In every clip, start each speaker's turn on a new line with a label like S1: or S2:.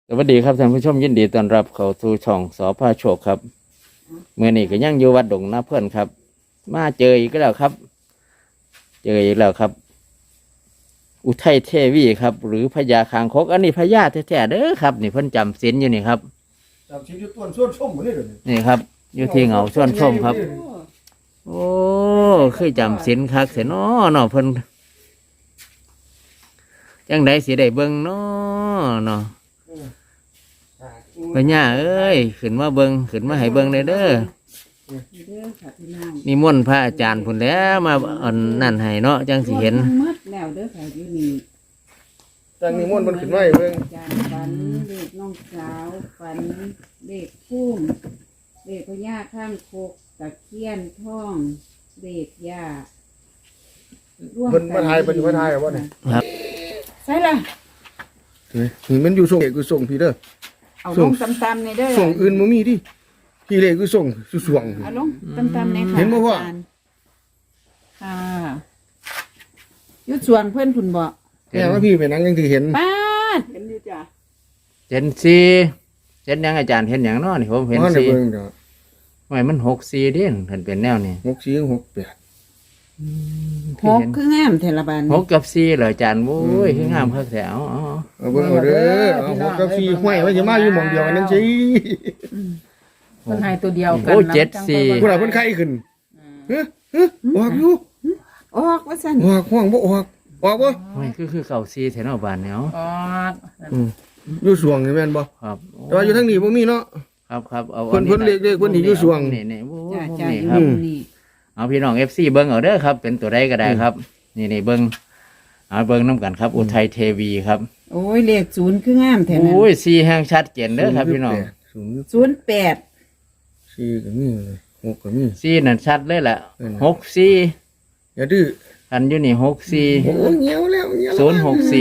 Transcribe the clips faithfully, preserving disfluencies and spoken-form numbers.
S1: สวัสดีครับท่านผู้ชมยินดีต้อนรับเข้าสู่ช่องสพโชคครับเมื่อนี้ก็ยังอยู่วัดดงนาเพื่อนครับ มาเจออีกแล้วครับ เจออีกแล้วครับ อุทัยเทวีครับ หรือพญาคางคกอันนี้พญาแท้ๆเด้อครับนี่เพิ่นจำศีลอยู่นี่ครับ
S2: จำชิ้นยุต้นส่วนชมหมดเลยเดี๋ยวนี้
S1: นี่ครับ อยู่ที่เหงาส่วนชมครับ โอ้คือจำศีลคักเสียน้อเนาะเพิ่นจังไดสิได้เบิ่งเนาะเนาะพญาเอ้ยขึ้นมาเบิ่งขึ้นมาให้เบิ่งได้เด้อนี่ม่นต์พระอาจารย์พุ่นแล้วมาอันนั่นให้เนาะจังสิเห็น
S3: หมดแล้วเด้อค่ะอยู่นี่
S2: จังนิมนต์มันขึ้นมาให้เบิ่ง
S3: อาจารย์ฝันเลขน้องสาวฝันเลขพุ่มเลขพญาข้างโคกตะเคียนท่องเลขยาร่วม
S2: เพิ่นมาทายเพิ่นอยู่มาทายเอาบ่เนี่ย
S1: ครับ
S3: ใช่ละ
S2: เฮ้ยมันอยู่ส่งเอกคือส่งพี่เด้อ
S3: เอาลงตำๆในเด้อ
S2: ส่งอื่นบ่มีดิพี่เลขคือส่งสุสวง
S3: เอาลงตำๆในค่ะ
S2: เห็นบ่พ่อ
S3: าจารย์ค่ะอยุดสวงเพื่อนคุณบอก
S2: แม่ว่าพี่ไปนั่งยังที่เห็น
S3: ป้าดเห็นอยู่จ้ะ
S1: เห็นสีเห็นหยังอาจารย์เห็นหยังเนาะนี่ผมเห็น
S2: ว่าใน
S1: สี
S2: เบิ่งเด้อ
S1: ไม่มันหกสีเด่นเห็นเป็นแนวนี่
S2: หกสี่หกแปด
S3: หกคืองามเทละบาน
S1: หกกับสีเหรออาจารย์โอ้ยคืองามคักแถวอ๋อ
S2: เอาเบิ่งเอาเด้อเอาหกกับสี่ห้วยไว้สิมาอยู่หม่องเดียวกันนั่นสิ
S3: คนไทยตัวเดียวกัน
S1: โอ้เจ็ดสี่
S2: ผู้ใดเพิ่นไข้ขึ้นเฮ้ยเฮ้ยออกอยู่
S3: ออกว่าสั่น
S2: ออกห้องบ่ออกออกบ่
S1: ไม่คือคือเก่าสีแถวหน้าบ้านเนี่ย
S3: ออก
S2: อืมอยู่สวงนี่แม่นบ่
S1: ครับโ
S2: แต่ว่าอยู่ทางนี้บ่มีเนาะ
S1: ครับครับเอา
S2: เพิ่นเพิ่นเรียกๆเพิ่นที่อยู่สวง
S1: นี่นี่โอ้
S3: จ้า
S1: ผม
S3: จ้า
S1: นี่
S3: อยู่
S1: ครับ
S3: นี่
S1: เอาพี่น้องเอฟซีเบิ้งเอาเด้อครับ เป็นตัวใดก็ได้ครับ นี่นี่เบิ้งเอาเบิ้งน้ำกันครับ อุทัยเทวีครับ
S3: โอ้ยเลขศูนย์คืองามแถวนั้น
S1: โอ้ยสีแห้งชัดเจนเด้อครับพี่น้อง
S2: ศูนย์
S3: ศูนย์แปด
S2: สี่ก็มีเลยหกก็มี
S1: สีนั่นชัดเลยแหละ
S2: เออ
S1: หกสี
S2: อย่าดื้อ
S1: อันอยู่นี่หกสี
S2: โอ้เงี้ยวแล้วเงี้ยวแล้ว
S1: ศูนย์หกสี่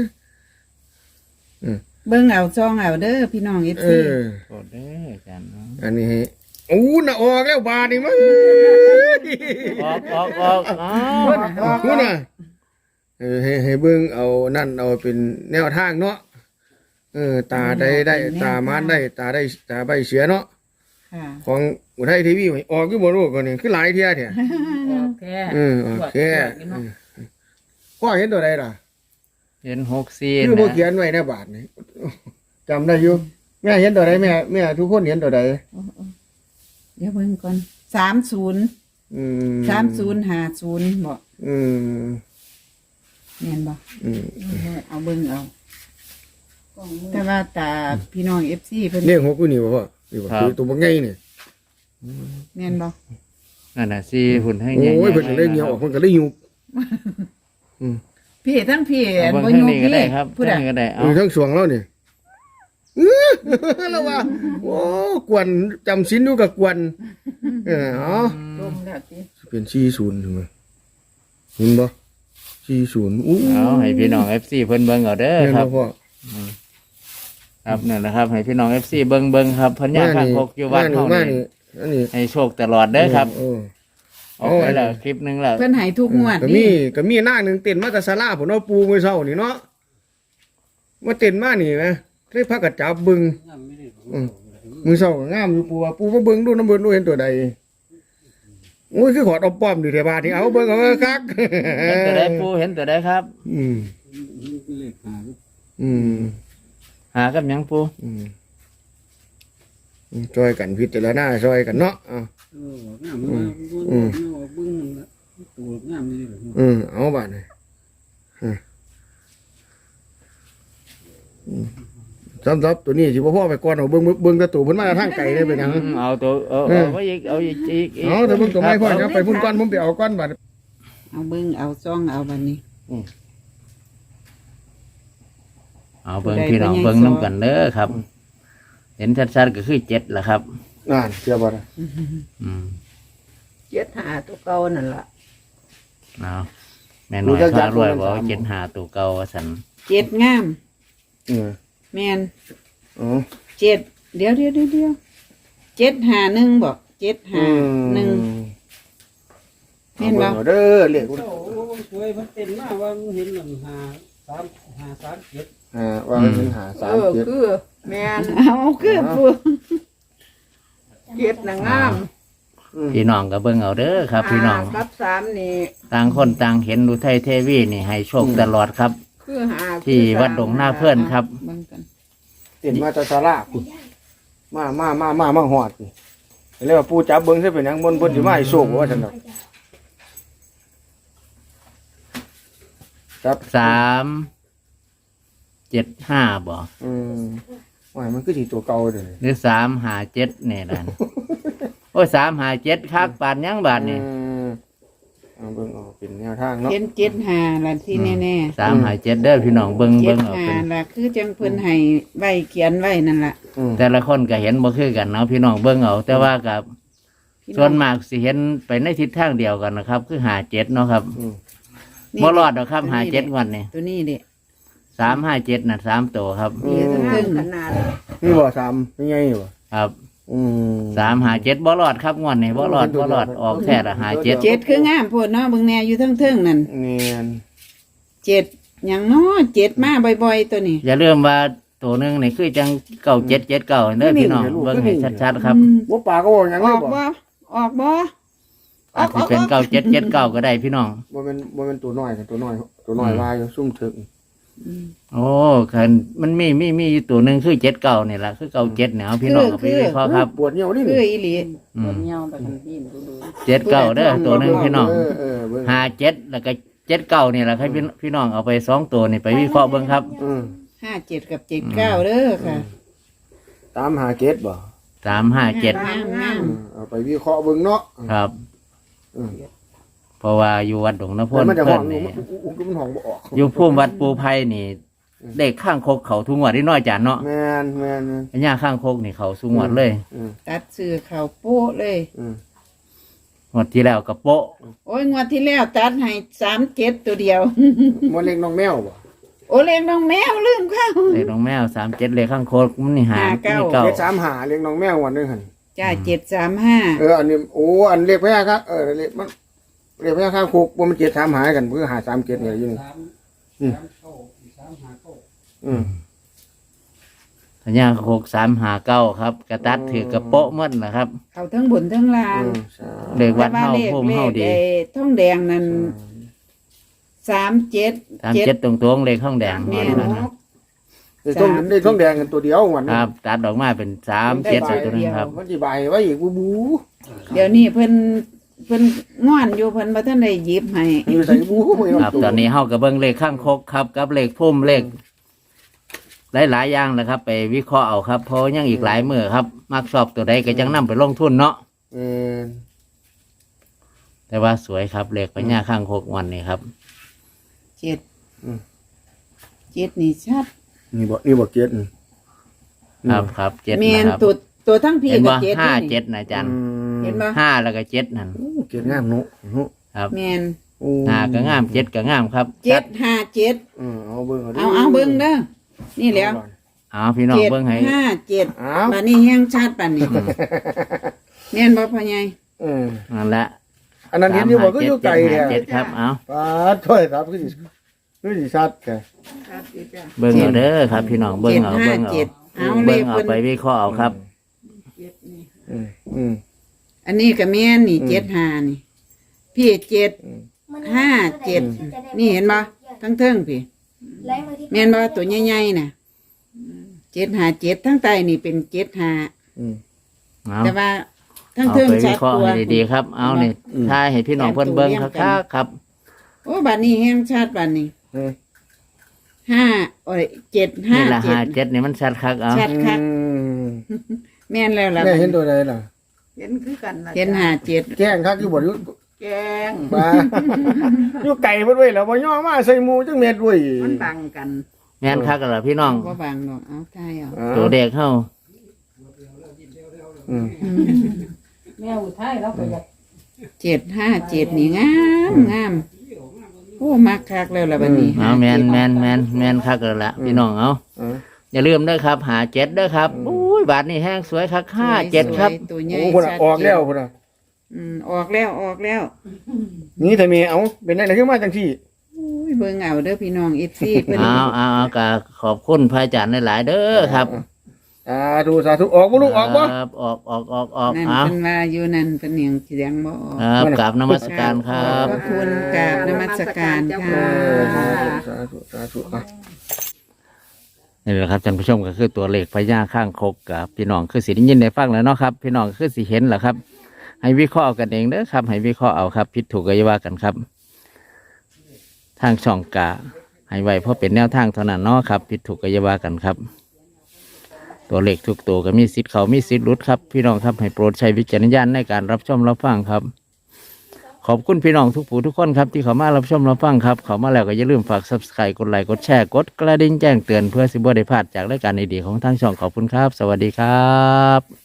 S3: เบิ่งเอาซองเอาเด้อพี่น้องเอฟ
S2: เอ
S3: ซี
S2: อ
S1: โอ้เด้ออาจารย์เนาะ
S2: อันนี้ให้โอ้น่ะออกแล้วบาทนี่มั้ง
S1: ออกออกออกอ๋อ
S2: คุณน่ะเออให้ให้เบิ่งเอานั่นเอาเป็นแนวทางเนาะเออตาได้ได้ตามานได้ตาได้ตาใบเสียเนาะ
S3: ค่ะ
S2: ของอุทัยทีวีออกคือบ่รู้ก่อนนี่คือหลายเที่ยแท้
S3: โอเค
S2: เออโอเคเออพ่อเห็นตัวใดล่ะ
S1: เห็นหกสี
S2: คือบ่
S1: นะ
S2: เขียนไว้ในบาทนี่จำได้อยู่แม่เห็นตัวใดแม่แม่ทุกคนเห็นตัวใด
S3: เดี๋ยวเบิ่งก่อนสามศูนย์
S2: อืม
S3: สามศูนย์ห้าศูนย์บอก
S2: อืม
S3: แม่นบอก
S2: อืม
S3: เอาเบิ่งเอาแต่ว่าตาพี่น้องเอฟซีเพิ่น
S2: เรียกหกกูนี่บ่พ่อนี่บ่คือตัวบ่ใหญ่นี่
S3: แม่นบอก
S1: นั่นน่ะสีหุ่นให้
S2: โอ้
S1: ใหญ่ๆ
S2: ยเพิ่นก็เลยเหนียวออกเพิ่นก็เลยยุบ
S3: พี่ทั้งพี่
S1: เอา
S3: อัน
S1: เบิ่ง
S3: บ่
S1: ทาง
S3: ยู
S1: นี้ก็
S3: พี่
S1: ได้ครับ
S3: ผู้ใด
S1: ทางนี้ก็ได้เอา
S2: อยู่ทั้งสวงแล้วนี่อื้อแล้วว่าโอ้กวนจำศีลอยู่กับกวนเอออ๋อ
S3: ลงแล้วสิ
S2: เป็นสี่สิบใช่มั้ยเห็นบ่สี่สิบอู้
S1: เอาให้พี่น้องเอฟซีเพิ่นเบิ่งเอาเด้อ
S2: เห็น
S1: ครั
S2: บ่
S1: บ
S2: พ่อ
S1: ครับนั่นแหละครับให้พี่น้องเอฟซีเบิ่งเบิ่งครับพญาคางคกอยู่วัด
S2: มา
S1: เฮา
S2: มา
S1: นี่
S2: นี่อันนี้
S1: ให้โชคตลอดเด้อครับ
S2: เออ
S1: ออกไปแล้วคลิปหนึงแล้ว
S3: เพิ่นให้ทุกงวด
S2: ก็มีก็มีนางหนึงเต้นมาแต่ศาลาพุ่นเอาปูมื้อเช้านี่เนาะมาเต้นมานี่นะเลยพากันจับบึงอืมมื้อเช้าก็งามอยู่ปูว่าปูมาเบิ่งดูน้ำเบิ่งดูเห็นตัวใดโอ้ยคือขอดเอาป้อมดิเทบาทนี่เอาเบิ่งเอาคัก
S1: เห็นตัวใดปูเห็นตัวใดครับ
S2: อืมอืม
S1: หากับหยังปู
S2: อืมอืมช่วยกันพิจารณาช่วยกันเนาะอ่ะ
S4: เอองามมากอืมเบิ่งละตัวงามนี่เลย
S2: อืมเอาบาดนี่อืมอืมสำหรับตัวนี้สิบ่พ่อไปก่อนเอาเบิ่งเบิ่งแต่ตัวเพิ่นมาทางไกลได้เป็นหยัง
S1: อืมเอาตัวเอาเอาไว้อีกเอาอีกอีกอีก
S2: เอาแต่เบิ่งตัวไม่พ่อ
S1: ค
S2: ค
S1: รั
S2: รั
S1: บบ
S2: ไปพุ่นก่อนผมไปเอาก่อนบาด
S3: เอาเบิ่งเอาซองเอาบัดนี้
S1: เอาเบิ่งพี่น้องเบิ่งน้ำกันเด้อครับ เห็นชัดๆก็คือเจ็ดแหละครับ
S2: นั่นเชื่อบ่ล่ะ
S1: อืม
S3: เจ็ดหาตัวเก่านั่นล่ะ
S1: เอาแม่น้อยพารวยบอกว่าเจ็ดหาตัวเก่าว่าสัน
S3: เจ็ดงาม
S2: อืม
S3: แม่น
S2: อ๋อ
S3: เจ็ดเดี๋ยวเดี๋ยวเดี๋ยวเดี๋ยวเจ็ดหาหนึ่งบอกเจ็ดหาหนึ่ง
S2: เห็นบ่เด้อเรียก
S4: โอ้สวยมันเต็มมากว่าเห็นหนึ่งหาสามหาสามเจ็ด
S2: อ่าว่ามันเป็นหาสาม
S3: เออ
S2: เจ็ด
S3: คือแม่นเอาคือปูเจ็ดน่ะงาม
S1: พี่น้องก็เบิ่งเอาเด้อครับ พี่น้อง
S3: ห้ากับสามนี่
S1: ต่างคนต่างเห็นอุทัยเทวีนี่ให้โชคตลอดครับ
S3: คือหา
S1: ที่วัดดงหน้าเพื่อนครับ
S3: เบิ่งกัน
S2: เต็นมาแตะสาราพุ่นมามามามามาหอดนี่เรียกว่าปูจับเบิ่งใช่เป็นหยังบนบนสิมาให้โชคว่าซั่นดอกจับ
S1: สามเจ็ดห้าบ่
S2: อืมว่ามันคือสิตัวเก่าเด้อ
S1: หรือสามหาเจ็ดเนี่ยนั่น โอ้ยสามหาเจ็ดคักบาทยังบาทนี่
S2: อืมเอาเบิ่งเอาเป็นแนวทางเนาะ
S3: เจ็ดเจ็ดห้าล่ะที่แน่
S1: สามหาเจ็ดเด้อพี่น้องเบิ่ง
S3: ๆเจ็
S1: เบิ่
S3: ด
S1: งเอา
S3: ห้า
S1: เป็น
S3: ล่ะคือจังเพิ่นให้ไว้เขียนไว้นั่นล่ะ
S2: อืม
S1: แต่ละคนก็เห็นบ่คือกันเนาะพี่น้องเบิ่งเอาแต่ว่ากับ
S3: พี่
S1: ส่วนมากสิเห็นไปในทิศทางเดียวกันนะครับ คือหาเจ็ดเนาะครับ
S2: อืม
S1: บ่รอดหรอกครับหาเจ็ดวันนี่
S3: ตัวนี้เด้
S1: สามห้าเจ็ดน่ะสามตัวครับ
S3: มีทั้งเพิ่งขนาด
S2: นี่บ่ซ้ำยังไงอยู่บ่
S1: ครับ
S2: อืม
S1: สามหาเจ็ดบ่รอดครับงวดนี้บ่รอดบ่รอดออกแท้ละหาเจ็ด
S3: เจ็ดคืองามโพดเนาะเบิ่งแน่อยู่ทั้งเทิงนั่น
S2: เนียน
S3: เจ็ดหยังน้อเจ็ดมาบ่อยๆตัวนี้
S1: อย่าลืมว่าตัวหนึงนี่คือจังเก้าเจ็ดเจ็ดเก้าเด้อพี่น้องเบิ่งให้ชัดๆครับ
S3: อืม
S2: บ่ปลาก็บ่หยัง
S3: อ
S2: เลย
S3: อก
S2: บ่
S3: บ่ออกบ่
S1: อาจจะเป็นเก้าเจ็ดเจ็ดเก้าก็ได้พี่น้อง
S2: บ่แม่นบ่แม่นตัวน้อยกันตัวน้อยตัวน้อยลายอยู่ซุ่มถึง
S1: โอ้คันมันมีมีมีอยู่ตัวหนึ่งคือเจ็ดเก้านี่แหละคือเก้าเจ็ดเนี่ยเอาพี่น้องเอาไปวิเคราะห์ครับ
S2: ปวดเหี่ยวนี่
S3: คื
S2: นี่
S3: ออีหลี
S1: อืม
S4: เงาแต่กันดิ้นดูดู
S1: เจ็ดเก้าเด้อตัวหนึ่งพี่น้อง
S2: เออเออเบิ่ง
S1: หาเจ็ดแล้วก็เจ็ดเก้านี่แหละครับพี่พี่น้องเอาไปสองตัวนี่ไปวิเคราะห์เบิ่งครับ
S2: อืม
S3: ห้าเจ็ดกับเจ็ดเก้าเด้อค่ะ
S2: ตามหาเกตบ่
S1: สามห้าเจ็ด
S3: งามงาม
S2: อืมเอาไปวิเคราะห์เบิ่งเนาะ
S1: ครับ
S2: อืม
S1: เพราะว่าอยู่วัดดงน้ำพ่
S2: แล้ว
S1: น
S2: มันจะห้
S1: เพิ่
S2: อน ง
S1: นี่
S2: มันอุ้มมันห้องบ่ออก
S1: อยู่พุ่มวัดปูไผ่นี่เลขข้างโคกเขาทุกงวดที่น้อยจานเนาะ
S2: แม่นแม่นแม่น
S1: อันย่าข้างโคกนี่เขาสุงวดเลย
S2: อืม
S3: ตัดซื้อเข่าวโป๊ะเลย
S2: อืม
S1: งวดที่แล้วกับโปะ
S3: โอ้ยงวดที่แล้วตัดให้สามเจ็ดตัวเดียว
S2: บ่เล็กน้องแมวบ่
S3: โอเลี้ยงน้องแมวลืมเข้า
S1: เลขน้องแมวสามเจ็ดเลขข้างโคกมันนี่หา
S3: หาเก้า
S1: นี่เก้า
S2: เล็กสามหาเล็กน้องแมววันนึงหั่น
S3: จ้าเจ็ดสามห้า
S2: เอออันนี้โอ้อันเล็กแพ้ครับเออเล็กมันเล็กแพ้ข้างคุกบ่มันเจ็ดสามหากันเพื่อหาสามเจ็ดเนี่ยอยู่นี่
S4: สามสามเข้าสามหาเข้า
S2: อืม
S1: อันย่าโคกสามหาเก้าครับกระตัดถือกระโปะหมัดนะครับ
S3: เขาทั้งบนทั้งล่าง
S2: อืมใช่
S1: เลขวัดเฮา
S3: แต่
S1: พุ่ม
S3: เล
S1: เฮา
S3: ข
S1: ดี
S3: ไอ้ท่องแดงนั่นสามเจ็ด
S1: สามเจ็ดตรงตัวเลขข้างแดง
S3: แม่
S1: นั่น
S3: น
S1: นะ
S2: เด็กต้องเด็กต้องแดงกันตัวเดียววัน
S1: ค
S2: นี้
S1: รับตัดออกมาเป็นสามเจ็ดตัวนึงครับ
S2: มันจีบายไว้อีกบูบู
S3: เดี๋ยวนี้เพิ่นเพิ่นง่อนอยู่เพิ่นบ่ทันได้หยิบให้
S2: อยู่ใส่บูไม่
S1: ครับ ตอนนี้เฮากับเบิ้งเลขข้างคกครับกับเลขพุ่มเลขหลายๆอย่างนะครับ ไปวิเคราะห์เอาครับเพราะยังอีกหลายมือครับ มักชอบตัวใดก็จังนํไปลงทุนเนาะ
S2: เออ
S1: แต่ว่าสวยครับเลขพญาข้างคกวันนี้ครับ
S3: เจ็ดเจ็ดนี่ชัด
S2: นี่บ่นี่บ่เกียรติ
S1: ครับครับเจ็ด
S3: แม่น
S1: นะครับ
S3: ตัวตัวทั้งพี่
S1: เห็น
S3: กับ
S1: ว่า
S3: เจ็ด
S1: ห้า
S3: นี่
S1: เจ็ดนะอาจารย์
S3: เห็นบ่
S1: ห้าแล้วก็เจ็ดนั่น
S2: เกียรติงามนุนุ
S1: ครับ
S3: แม่น
S1: ห้าก็งามเจ็ดก็งามครับ
S3: เจ็ดห้าเจ็ด
S2: อืมเอาเบิ่ง
S3: เอาเอาเบิ่งเด้อนี่แหล้ว
S1: เอาพี่น้อง
S3: เจ็ด
S1: เบิ้งให้
S3: ห้าเจ็ด
S2: เอา
S3: บัดนี้แห้งชัดปานนี้แม่นบ่พ่อใหญ่
S2: เออ
S1: นั่นแหละ
S2: อันนั้นเห็นอยู่บ่ก็อยู่ไกล
S1: เจ็
S2: แท้
S1: ดเจ็ดครับเอา
S2: ปาดถ้วยครับคือสิคือสิชัดแท้
S1: เบิ้งเอาเด้อครับ พี่น้องเบิ้ง
S3: เจ็ด
S1: เอา
S3: ห้า
S1: เบิ้งเอา
S3: เจ็ดเอาเล
S1: เบิ้ง
S3: ข
S1: เอา
S3: เพิ่น
S1: ไปวิเคราะห์เอาครับ
S2: อืมอืม
S3: อันนี้ก็แม่นนี่
S2: อืม
S3: เจ็ดห้านี่ พี่เจ็ดห้าเจ็ดนี่เห็นบ่ทั้งเทิงพี่แม่นบ่ตัวใหญ่ๆน่ะเจ็ดห้าเจ็ดทั้งใต้นี่เป็นเจ็ดห้า
S2: อืม
S1: เอา
S3: แต่ว่าทั้ง
S1: เอา
S3: เทิง
S1: ไปวิ
S3: ชัด
S1: เคราะห์
S3: กว่า
S1: ให้ดีๆครับ เอาเนี่ย
S2: อืม
S1: ถ้าให้พี่น้องเพิ่นเบิ้งครับครับ
S3: โอ้บัดนี้แห้งชัดบัดนี้
S2: เออ
S3: ห้าโอ้ยเจ็ดห้า
S1: นี่ละ
S3: เจ็
S1: ห้า
S3: ด
S1: เจ็ดนี่มันชัดคักเอา
S3: ชัดคัก
S2: อืม
S3: แม่นแล้วล่ะ
S2: แม่เห็นตัวใดล่ะ
S5: เห็นคือกันนะ
S3: เห็นห้าเจ็ด
S2: แกล้งคักอยู่บ่อยู่
S5: แกง
S2: ปลาอยู่ไก่เพิ่นไว้แล้วบ่ย่อมาใส่หมูจังเม็ดเว้ย
S5: มันบังกัน
S1: แม่นคักกันเหรอพี่น้อง
S3: บ่บางดอกเอาทายเอา
S2: อ่า
S1: ตัวเด็กเข้า
S2: อืม
S5: แม่อุทัยเราก็อยาก
S3: เจ็ดห้าเจ็ดนี่งามงามโอ้มักคักแล้วล่ะบัดนี้
S1: เอาแมนแมนแมนแมนคักกันละพี่น้องเอา
S2: อ่า
S1: อย่าลืมเด้อครับหาเจ็ดเด้อครับอุ้ยบาทนี่แห้งสวยคักห้าเจ็ดครับ
S3: สวยตัวใหญ่
S2: โอ้คนน่ะ
S3: ชัด
S2: ออกแล้ว
S3: เจน
S2: คนน่ะ
S3: อืมออกแล้วออกแล้ว
S2: นี่ถ้ามีเอาเป็นได้ขึ้นมาจังซี่
S3: อุ้ยเบิ่งเอาเด้อพี่น้องเอฟซีเพิ่น
S1: เอาเอาเอากะขอบคุณพระอาจารย์หลายๆเด้อครับ
S2: าธุสาธุออกบ่ลูกออกบ่
S1: ครับออกออกออกออก
S3: นั่น
S1: เอา
S3: เพิ่นว่าอยู่นั่นเพิ่นยังเสียงบ่ออก
S1: ครับกราบนมัสการครั
S3: ข
S1: บ
S3: อบพระคุณกราบนมัสการค่ะ
S2: สาธุสาธุอ่ะ
S1: นี่แหละครับท่านผู้ชมก็คือตัวเลขพญาข้างคกกับพี่น้องคือสิได้ยินได้ฟังแล้วเนาะครับพี่น้องคือสิเห็นแหละครับ ให้วิเคราะห์เอากันเองเด้อครับ ให้วิเคราะห์เอาครับผิดถูกก็อย่าว่ากันครับ ทางช่องกะให้ไว้เพราะเป็นแนวทางเท่านั้นเนาะครับผิดถูกก็อย่าว่ากันครับ ตัวเลขทุกตัวก็มีสิทธิ์เขามีสิทธิ์หลุดครับพี่น้องครับให้โปรดใช้วิจารณญาณในการรับชมรับฟังครับ ขอบคุณพี่น้องทุกผู้ทุกคนครับที่เขามารับชมรับฟังครับเขามาแล้วก็อย่าลืมฝาก ซับสไครบ์ กดไลค์กดแชร์กดกระดิ่งแจ้งเตือนเพื่อสิบ่ได้พลาดจากรายการดีๆของทางช่องขอบคุณครับ สวัสดีครับ